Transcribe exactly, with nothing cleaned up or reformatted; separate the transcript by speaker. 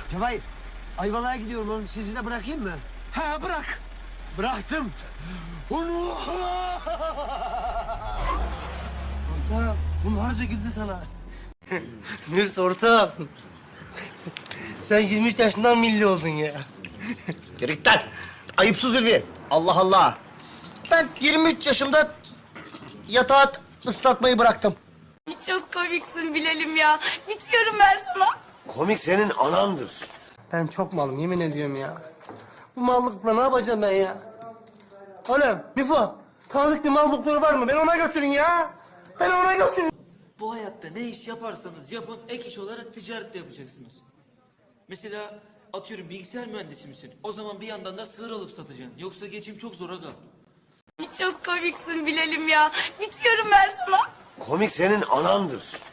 Speaker 1: Cevahir, Ayvalık'a gidiyorum oğlum. Sizi de bırakayım mı?
Speaker 2: Ha bırak.
Speaker 1: Bıraktım. Onu.
Speaker 2: Ortağım bunlarca güldü sana.
Speaker 3: Mürs ortağım. Sen yirmi üç yaşından milli oldun ya.
Speaker 4: Yürü git lan. Ayıpsız Ülvi. Allah Allah. Ben yirmi üç yaşımda yatağı ıslatmayı bıraktım.
Speaker 5: Çok komiksin Bilal'im ya. Bitiyorum ben sana.
Speaker 1: Komik senin anandır.
Speaker 3: Ben çok malım yemin ediyorum ya. Bu mallıkla ne yapacağım ben ya? Oğlum Mifo, tanıdık bir mal doktoru var mı? Ben ona götürün ya. Ben ona götürün.
Speaker 6: Bu hayatta ne iş yaparsanız yapın ek iş olarak ticaret de yapacaksınız. Mesela atıyorum bilgisayar mühendisi misin? O zaman bir yandan da sığır alıp satacaksın. Yoksa geçim çok zor aga.
Speaker 5: Çok komiksin Bilal'im ya. Bitiyorum ben sana.
Speaker 1: Komik senin anandır.